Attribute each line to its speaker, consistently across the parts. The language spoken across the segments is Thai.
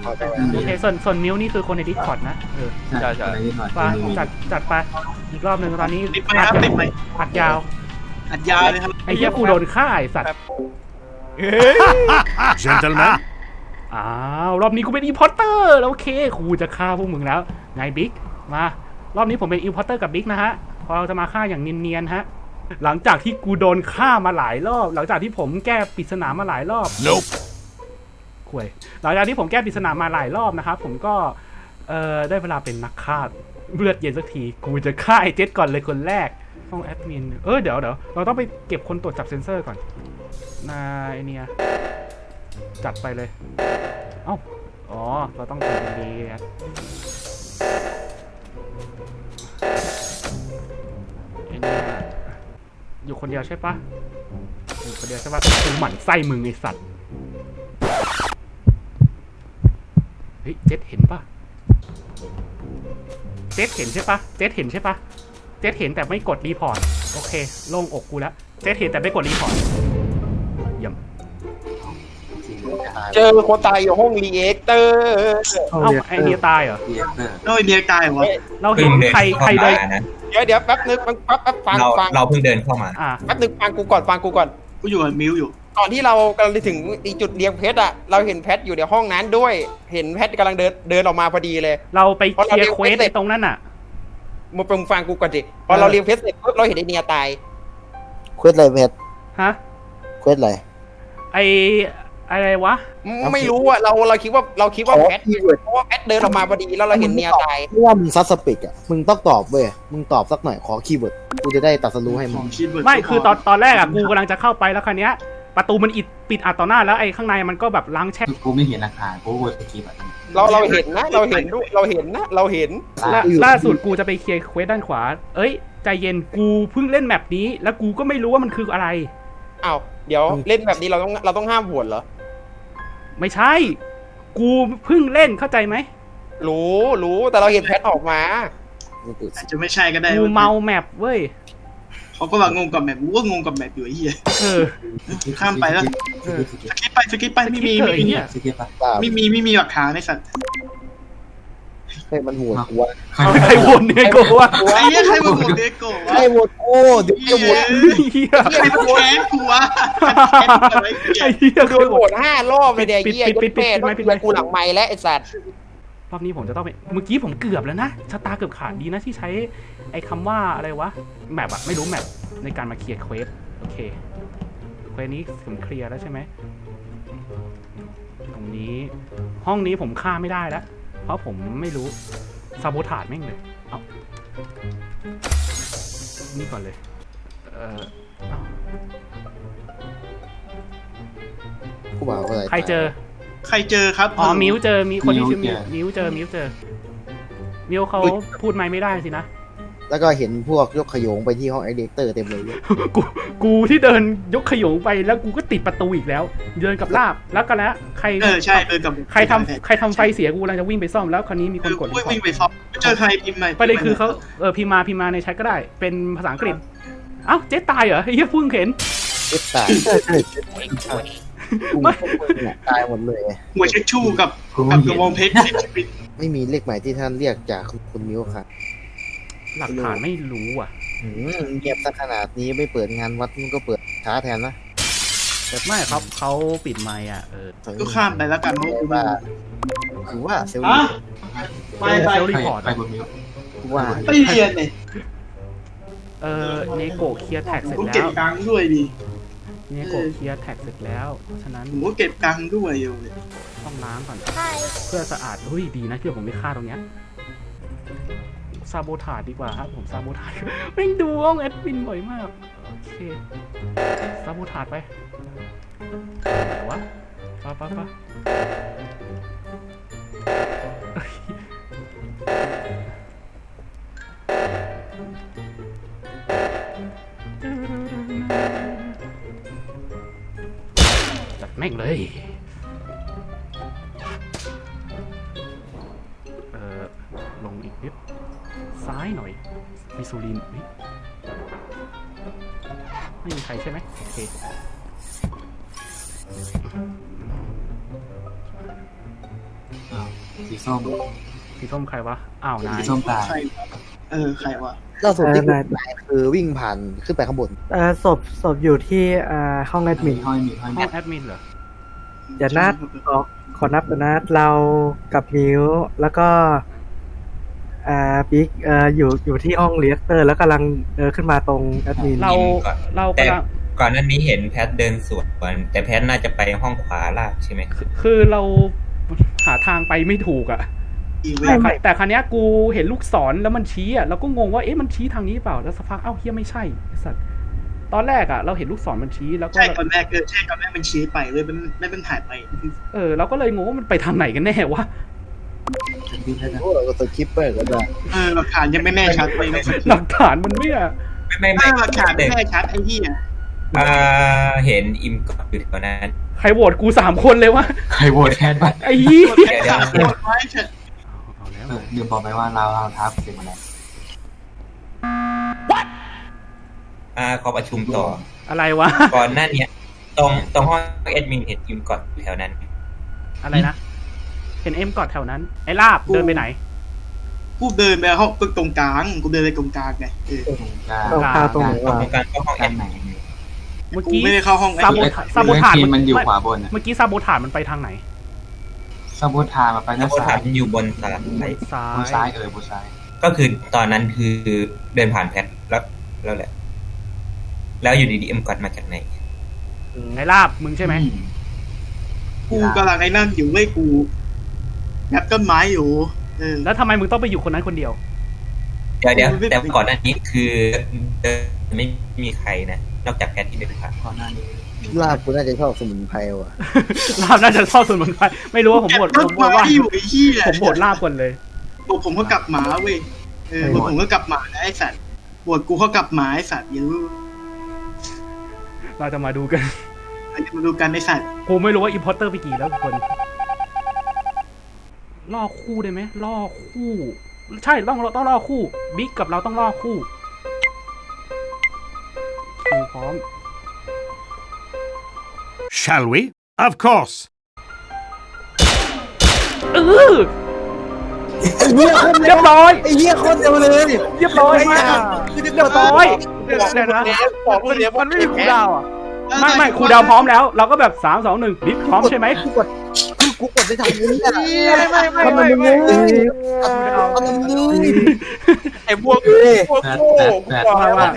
Speaker 1: โอเคส่วนมิวนี่คือคนในดิสคอร์ดนะ
Speaker 2: ใช่
Speaker 1: ไปจัดไปอีกรอบหนึ่งตอนนี้
Speaker 3: ติดไหมครับติดไหม
Speaker 1: อัดยาว
Speaker 3: อัดยาวเลยครับ
Speaker 1: ไอ้เหี้ยกูโดนฆ่าไอ้สัตว์
Speaker 4: Gentlemen
Speaker 1: อ้าวรอบนี้กูเป็นอีพอร์เตอร์แล้วโอเคกูจะฆ่าพวกมึงแล้วไงบิ๊กมารอบนี้ผมเป็นอีพอร์เตอร์กับบิ๊กนะฮะพอเราจะมาฆ่าอย่างเนียนๆฮะหลังจากที่กูโดนฆ่ามาหลายรอบหลังจากที่ผมแก้ปริศนามาหลายรอบ
Speaker 4: Nope
Speaker 1: คุยหลังจากที่ผมแก้ปริศนามาหลายรอบนะครับผมก็ได้เวลาเป็นนักฆ่าเลือดเย็นสักทีกูจะฆ่าไอ้เจ็ดก่อนเลยคนแรกห้องแอดมินเดี๋ยวเราต้องไปเก็บคนตรวจจับเซนเซอร์ก่อนนายเนี่ยจัดไปเลยเอ้าอ๋อเราต้องทำดีนะไอ้เนี่ยอยู่คนเดียวใช่ปะอยู่คนเดียวใช่ปะกูหมั่นไส้มึงไอสัตว์เฮ้ยเจ็ดเห็นปะเจ็ดเห็นใช่ปะเจ็ดเห็นใช่ปะเจ็ดเห็นแต่ไม่กดรีพอร์ตโอเคโล่งอกกูแล้วเจ็ดเห็นแต่ไม่กดรีพอร์ตเยี่ยม
Speaker 2: เจอคนตายอยู่ห้องรีแอคเตอร์
Speaker 1: เอ้าไอเนียตายเหรอ
Speaker 3: โอ้ยเดียตายวะ
Speaker 1: เราเห็นใครเลย
Speaker 2: เดี๋ยวแป๊บนึงแป๊บฟัง
Speaker 5: เราเพิ่งเดินเข้ามา
Speaker 2: แป๊บนึงฟังกูก่อน
Speaker 3: กูอยู่กับมิวอยู่
Speaker 2: ก่อนที่เรากำลังถึงอีกจุดเรียงเพชรอะเราเห็นแพทอยู่ในห้องนั้นด้วยเห็นแพทกำลังเดินออกมาพอดีเลย
Speaker 1: เราไปเคลียร์เควสในตรงนั้นน่ะ
Speaker 2: มึงฟังกูก่อนดิพอเราเรียงเพชรเสร็จปุ๊บเราเห็นไอเนียตาย
Speaker 6: เควสอะไรเพชร
Speaker 1: ฮะ
Speaker 6: เควสอะไร
Speaker 1: อะไรวะ
Speaker 2: ไม่รู้อะเราคิดว่าแพทเพราะว่าแพทเดินออกมาพอดีแล้วเราเห็นเนียตาย
Speaker 6: เมื่อมึงซัสสปิกอ่ะมึงต้องตอบเว้ยมึงตอบสักหน่อยขอคีย์เวิร์ดกูจะได้ตัดสรู้ให้
Speaker 3: ข
Speaker 6: มึ
Speaker 3: อง งคิดเบิร์ด
Speaker 1: ไม่คือตอนแรกอ่ะกูกำลังจะเข้าไปแล้วคันนี้ยประตูมันปิดอัดต่อหน้าแล้วไอ้ข้างในมันก็แบบล้างแช่
Speaker 5: กูไม่เห็นราคากูกดสกิปอ่ะ
Speaker 2: เราเห็นนะเราเห็น
Speaker 1: ล่าสุดกูจะไปเคลียร์เควสด้านขวาเอ้ยใจเย็นกูเพิ่งเล่นแมปนี้แล้วกูก็ไม่รู้ว่ามันคืออะไร
Speaker 2: อ้าวเดี๋ยวเล่นแบบนี้เราต้องห้ามโหวตเหรอ
Speaker 1: ไม่ใช่กูเพิ่งเล่นเข้าใจไหม
Speaker 2: รู้แต่เราเห็นแพทออกมา
Speaker 3: อาจจะไม่ใช่ก็ได้
Speaker 1: กูเมาแมปเว้ย
Speaker 3: เขาก็ว่างงกับแมปกูก็งงกับแมปอยู่ไอ้เหี้ยข้ามไปแล้วสกิปไปไม่มีหลักฐานในสัตว์
Speaker 6: ให้มันโหวตกูว่า
Speaker 1: ใครวนเนี่ยกูว่า
Speaker 3: ไอ้เหี้ยใครมาโหวตเด็กโก้
Speaker 6: ให้โหวตโอ้เดี๋ยวจะโหวต
Speaker 1: เฮีย
Speaker 3: ใครมาแค้นกูวะ
Speaker 1: ไอ้เฮีย
Speaker 2: โดนโหวต5 รอบเลยเนี่ยเหี้ยยัดแม่ต้องเจอกูหลังไมค์และไอ้สัตว์
Speaker 1: รอบนี้ผมจะต้องไปเมื่อกี้ผมเกือบแล้วนะชะตาเกือบขาดดีนะที่ใช้ไอ้คำว่าอะไรวะแมปอะไม่รู้แมปในการมาเคลียร์เควสโอเคเควสนี้ผมเคลียร์แล้วใช่ไหมตรงนี้ห้องนี้ผมฆ่าไม่ได้แล้วเพราะผมไม่รู้ซาโบถาดแม่งเลยเอานี่ก่อนเลยเอา
Speaker 6: กูบอกว่าอะไร
Speaker 1: ใครเจอ
Speaker 3: ใครเจอครับ
Speaker 1: อ๋อมิวเจอมีคนที่ชื่อมิวเจอมิวเขาพูดไม่ได้สินะ
Speaker 6: แล้วก็เห็นพวกยกขยงไปที่ห้องไอเด็กเตอร์เต็มเลย
Speaker 1: กูที่เดินยกขยงไปแล้วกูก็ติดประตูอีกแล้วเดินกับลาบแล้วกันแล้วใคร
Speaker 3: ใช่เดินกับ
Speaker 1: ใครทำไฟเสียกูกำลังจะวิ่งไปซ่อมแล้วคราวนี้มีคนกดรีพอร์ต
Speaker 3: วิ่งไปซ่อมเจอใครพิมพ์ใหม่
Speaker 1: ประเด็นคือเขาพิมพ์มาในแชทก็ได้เป็นภาษาอังกฤษเอ้าเจ๊ตายเหรอเฮ้ยเพิ่งเห็น
Speaker 6: เจ็บตายกูตายหมดเลย
Speaker 3: หัวเช็คชู่กับกระบองเพชรชีวิต
Speaker 6: ไม่มีเลขหมายที่ท่านเรียกจากคุณมิวครับ
Speaker 1: หลักฐานไม่รู้อ่ะ
Speaker 6: เงียบซะขนาดนี้ไม่เปิดงานวัดมันก็เปิดช้าแทนนะ
Speaker 1: แต่ไม่ครับเขาปิดไมค์อ่ะ
Speaker 3: ก็ข้ามไปแล้วกันเพราะกูว่า
Speaker 6: คือว่าเซลล์
Speaker 3: ไป
Speaker 1: เซลรีพอร์ต
Speaker 5: ไปบนมิว
Speaker 6: ว่า
Speaker 3: ไปเรียนเนี่ย
Speaker 1: เนโกเคลียร์แท็กเสร็จ
Speaker 3: กู
Speaker 1: แล้
Speaker 3: เก็บ
Speaker 1: ว
Speaker 3: ตังค์ด้วยดิ
Speaker 1: เนโกเคลียร์แท็กเสร็จแล้วฉะนั้น
Speaker 3: ผมก็เก็บตังค์ด้วยอยู่เลย
Speaker 1: ต้องล้างก่อนเพื่อสะอาดเฮ้ยดีนะที่ผมไม่ฆ่าตรงเนี้ยซาโบถาดดีกว่าครับผมซาโบถาดแม่งดูห้องแอดมินบ่อยมากโอเคซาโบถาดไปไหนวะปะจัดแม่งเลยลงอีกนิดซ้ายหน่อยมิซูลินไม่มีใครใช่ไหมโอเค
Speaker 5: สีส้ม
Speaker 1: สีส้มใครวะอ้าวนาย
Speaker 5: สีส้มตาย
Speaker 3: ใครใครวะ
Speaker 6: ล่าสุดที่กูไปคือวิ่งผ่านขึ้นไปข้างบน
Speaker 4: ศพอยู่ที่ห้องแอดมิน
Speaker 5: ห้อยมี
Speaker 1: ห้องแอดมินเหรอ
Speaker 4: เดี๋ยวนัดขอนับก่อนนะเรากับมิวแล้วก็บิ๊กอยู่ที่ห้องเรียกเตอร์แล้วกำลังขึ้นมาตรงแอดมิน
Speaker 1: เรา
Speaker 7: แต่
Speaker 1: กำลัง
Speaker 7: ก่อนหน้านี้เห็นแพทเดินสวนแต่แพทน่าจะไปห้องขวาล่างใช่ไหม
Speaker 1: คือเราหาทางไปไม่ถูกอะ
Speaker 3: อีเว
Speaker 1: แต่
Speaker 3: นต์
Speaker 1: ครั้งนี้ยกูเห็นลูกศรแล้วมันชี้อะเราก็งงว่าเอ๊ะมันชี้ทางนี้เปล่าแล้วสักพักเอ้าเฮียไม่ใช่ไอ้สัตว์ตอนแรกอะเราเห็นลูกศรมันชี้แล้วก็
Speaker 3: ใช่ก่อนแรกใช่ก่อนแรกมันชี้ไปเลยมันหายไป
Speaker 1: เราก็เลยงงว่ามันไปทางไหนกันแน่วะ
Speaker 6: พวกเราก็สคิปไปก็ได้
Speaker 3: หลักฐานยังไม่แน่ชัดเลย
Speaker 1: หลักฐานมันไม่อะ
Speaker 7: ไม่
Speaker 3: หลักฐานไม่แน่ชัดไอ้เหี้ย
Speaker 7: เห็นอิมก่อนอยู่แถวนั้น
Speaker 1: ใครโหวตกู3 คนเลยวะ
Speaker 5: ใครโหวตแทนวะ
Speaker 1: ไอ้ยี่
Speaker 3: แค่สามคนไว้เถอะ
Speaker 1: เอาแล้ว
Speaker 5: ลืมบอกไปว่าเราทับเสร็จหมดแล้ว
Speaker 7: ขอประชุมต่อ
Speaker 1: อะไรวะ
Speaker 7: ก่อนหน้านี้ตรงห้องแอดมินเห็นอิมก่อนอยู่แถวนั้น
Speaker 1: อะไรนะเห็นเอ็มกอดแถวนั้นไอ้ลาบเดินไปไหน
Speaker 3: กูเดินไปห้องตรงกลางกูเดินไปตรงกลางไง
Speaker 4: ตรงกลางตรงไหนวะ
Speaker 7: ตรงกลางก็ห้องแอ
Speaker 5: ด้าน
Speaker 7: ด
Speaker 5: ไหน
Speaker 1: เมื่อ
Speaker 3: กู
Speaker 1: กี้
Speaker 3: ไม่ได้เข้าห้อง
Speaker 1: ซาโบถาด
Speaker 5: มันอยู่ขวาบน
Speaker 1: เมื่อกี้ซาโบถาดมันไปทางไหน
Speaker 5: ซาโบทามาไป
Speaker 7: แล้
Speaker 5: ด้า
Speaker 7: วน ก็
Speaker 5: ซ้า
Speaker 7: ถาย มอยู่บนซ้าย
Speaker 1: ซ้า
Speaker 5: บนซ้ายบนซ้าย
Speaker 7: ก็คือตอนนั้นคือเดินผ่านแพทแล้วแหละ แล้วอยู่ดีๆอิมก่อนมาจากไหน
Speaker 1: ไอ้ลาบมึงใช่ไหม
Speaker 3: กูกำลังไอ้นั่นอยู่เว้ยกูงัดต้นไม้อยู่
Speaker 1: แล้วทำไมมึงต้องไปอยู่คนนั้นคนเดียว
Speaker 7: เดี๋ยวแต่ก่อนหน้านี้คือเดินไม่มีใครนะนอกจากแพทที่เดินผ่าน
Speaker 5: ก่อนหน้านี้
Speaker 6: ลาบกูน่าจะชอบสมุนไพรว่ะ
Speaker 1: ลาบน่าจะชอบส่วนเหมือนไปไม่รู้ว่าผมโหวต
Speaker 3: ต้นไม้
Speaker 1: ว่า
Speaker 3: อยู่ไอ้เหี้ย
Speaker 1: ผมโหวตลาบก่อนเลย
Speaker 3: ผมก็กลับหมาเว้ยผมก็กลับหมาไอ้สัตว์บวชกูเขากลับหมาไอ้สัตว์อย่ารู้
Speaker 1: เราจะมาดูกัน
Speaker 3: มาดูกันไอ้สัตว์
Speaker 1: กูไม่รู้ว่าอิมพอร์เตอร์ไปกี่แล้วทุกคนล่อคู่ได้ไหมล่อคู่ ใช่ต้องล่อคู่บิ๊กกับเราต้องล่อคู่คิวพร้อม
Speaker 8: Shall we? Of course.
Speaker 1: เรียบร้อย
Speaker 6: ไอ้เหี้ยโคตรเร็วเลย
Speaker 1: เรียบร้อยมากเรียบร้อยเดี๋ยวนะ
Speaker 2: มันไม่มีคูดาวอ่ะ
Speaker 1: ไม่ครูดาวพร้อมแล้ว เราก็แบบ3 2 1บิ๊กพร้อมใช่ไหม
Speaker 6: กูกดได้ทางนี้อ่ะ
Speaker 2: ไม่
Speaker 6: ทำไมมึงเลยทำไมมึงเลย
Speaker 2: ไอ้พวกโง่กูบอกแล้วว่าแพ้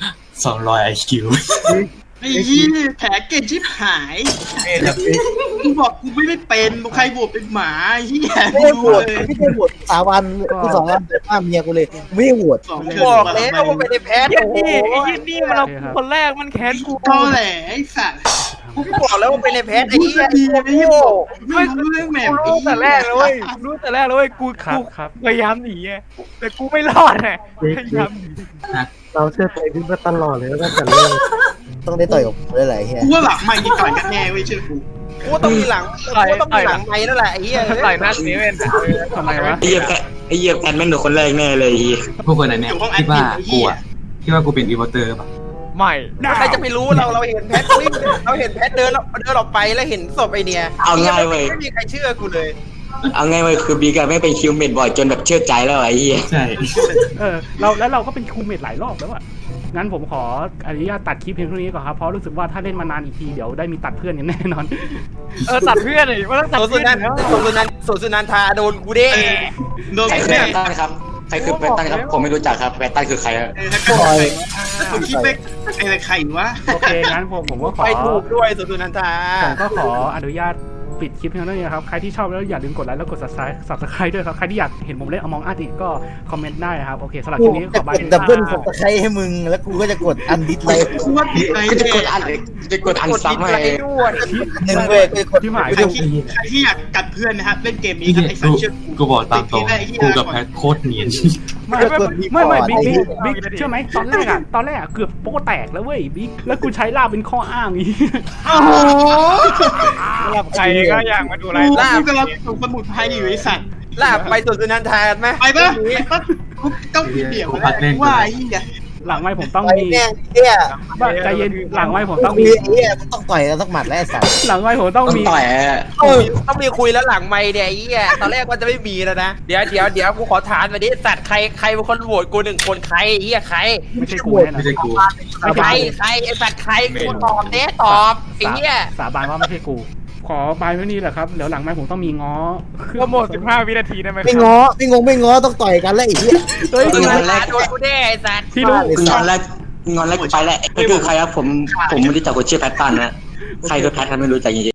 Speaker 5: 200 IQ
Speaker 3: ไอ้ยี่แผลเก่งชิบหายกูบอกกูไม่ได้เป็นใครบวชเป็นหมาไอ้เหี้ย
Speaker 6: ไม่ได้โหวตไม่ได้โหวต3 วันกู2 วันเดินมาเมียกูเลยไม่ได้โหวต
Speaker 2: บอกแล้วว่าไม่ได้แพ้โอ้โห
Speaker 1: นี่มันเอาคนแรกมันแค้นกู
Speaker 3: ตอแหลไอ้สัตว์
Speaker 2: กูบอกแล้วว่าเป็นในแพ้ไอ้
Speaker 3: กู
Speaker 2: เหี้ย
Speaker 3: จะดีไอ้เหี้ยไม่รู้เรื่องแหม่
Speaker 9: รู้แต่แรกเลยเว้ยรู้แต่แรกเลยเว้ยกู
Speaker 1: ครับ
Speaker 9: พยายามหนีไงแต่กูไม่รอดไงพยายามหนี
Speaker 4: เราเชื่อใจบิ๊กมาตลอดเลยตั้งแต่เริ่ม
Speaker 6: ต้องได้ต่อยกับกูได้หลายเฮีย
Speaker 3: กูว่าหลังไม่ยิงต่อยกันแน่เว้ยเชื่อกู
Speaker 2: กูต้องมีหลังกูต้องมีหลังไม้นั่นแหละไอ้เหี้ย
Speaker 9: ไหลหน้านี้เป็น
Speaker 1: ทำไมวะ
Speaker 10: ไอ้เหี้ยแพนแม่งโดนคนแรกแน่เลยไอ้เหี้ย
Speaker 5: พวกคนไหนเนี่ยคิดว่ากูเป็นอีโวเตอร์ป่ะ
Speaker 9: ไม่
Speaker 2: ใครจะไปรู้เราเห็นแพทวิ่งเราเห็นแพทเดินออกไปแล้วเห็นศพไอเนี่ยไม่มีใครเชื่อกูเลย
Speaker 10: เอาไงเว้ยคือบีกับไม่เป็นคิวเมดบ่อยจนแบบเชื่อใจแล้วไอ้เหี้ย
Speaker 5: ใช่
Speaker 1: เราก็เป็นครูเมทหลายรอบแล้วอะงั้นผมขออนุญาตตัดคลิปเพียงเท่านี้ก่อนครับเพราะรู้สึกว่าถ้าเล่นมานานอีกทีเดี๋ยวได้มีตัดเพื่อนอย่างแน่นอน
Speaker 9: ตัดเพื่อนเลยว่าต้องตัด
Speaker 2: โซ
Speaker 9: เพื่อน
Speaker 2: สุนันทาโดนกูเด้
Speaker 3: โดน
Speaker 10: ใครคือ
Speaker 3: แน่
Speaker 10: แปนตันครับใครคือแปนตันครับผมไม่รู้จักครับแปนตันคือใครครับ
Speaker 3: ผมคิดไปไอ้ใครวะ
Speaker 1: โอเคงั้นผมก็ขอ
Speaker 2: ไปถูกด้วยสุนันทา
Speaker 1: ผมก็ขออนุญาตปิดคลิปเพียงเท่านี้นะครับใครที่ชอบแล้วอย่าลืมกดไลค์แล้วกด subscribe ด้วยครับใครที่อยากเห็นผมเล่น Among Us อีกก็คอมเมนต์ได้นะครับโอเคสำหรับ
Speaker 6: กู
Speaker 1: คลิปนี้ข
Speaker 6: จะ
Speaker 1: อบาย
Speaker 6: กดดับเบิลของตะไคร้ให้มึงแล้วกูก็จะกดอันดิสไลค์
Speaker 3: กูว่าผิดไป
Speaker 10: ก็จะ
Speaker 3: แน่
Speaker 10: กดอันจะกดอันซ้ำให้
Speaker 2: ด้วย
Speaker 6: หนึ่งเว้ยกูจะกด
Speaker 1: ที่หมาย
Speaker 3: ใครที่อยากกัดเพื่อนนะครับเล่นเกมนี้ครับไอ้สัตว์เชื่อ
Speaker 5: กูบอกตามตรงกูกับแพทโคตรเนียน
Speaker 1: ไม่บิ๊กเชื่อไหมตอนแรกอะเกือบโป๊แตกแล้วเว้ยบิ๊กแล้วกูใช้ลาบเป็นข้ออ้างอีก
Speaker 3: โอ้โห
Speaker 9: สำหรับใครก็อยากมาดูไล
Speaker 3: กู
Speaker 9: ฟ์
Speaker 3: กำลังส่งสมุดไพรอยู่ไอ้สัตว์
Speaker 2: ลาบไปสุนันทาไหม
Speaker 3: ไปปะกูต้องเดี่ยวว่าไอ้เหี้ย
Speaker 1: หลังไม้ผมต้อง
Speaker 6: ต่อย
Speaker 1: มี
Speaker 6: แม่งเหี้ย
Speaker 1: ใจเย็นหลังไม้ผมต้อง
Speaker 6: มี
Speaker 1: มี
Speaker 6: เหี้ยมันต้องต่อยกันสักหมัดแล้วไอ้สัตว์
Speaker 1: หลังไม้ผมต้อง
Speaker 10: ต้อง
Speaker 1: มี
Speaker 10: ต่อย
Speaker 2: ต้องมีคุยแล้วหลังไม่เนี่ยไอ้เหี้ยตอนแรกว่าจะไม่มีแล้วนะเดี๋ยวกูขอถามมาดิสัตว์ใครเป็นคนโหวตกู1 คนใครไอ้เหี้ยใคร
Speaker 1: ไม่ใช่กูแน่นอน
Speaker 5: ไม่ใช่กู
Speaker 2: ใครไอ้สัตว์ใครกูตอบเด้ตอบไอ้เหี้ย
Speaker 1: สาบานว่าไม่ใช่กู ขอไปไม่นี่แหละครับเดี๋ยวหลังไม้ผมต้องมีง้อ
Speaker 9: โปรโมท15 วินาทีได้ไหม
Speaker 6: ไม่ง้อไม่ง้อต้องต่อยกันแล้วไอ้เหี้ย
Speaker 1: เฮ้ย
Speaker 2: โดนกูแน่ไอ้สัตว์
Speaker 1: พี่รู้
Speaker 10: งอนแล้วไปแล้วก็คือใครครับผมไม่รู้จักคนชื่อแพทตันนะใครคือแพทกันไม่รู้จักจริง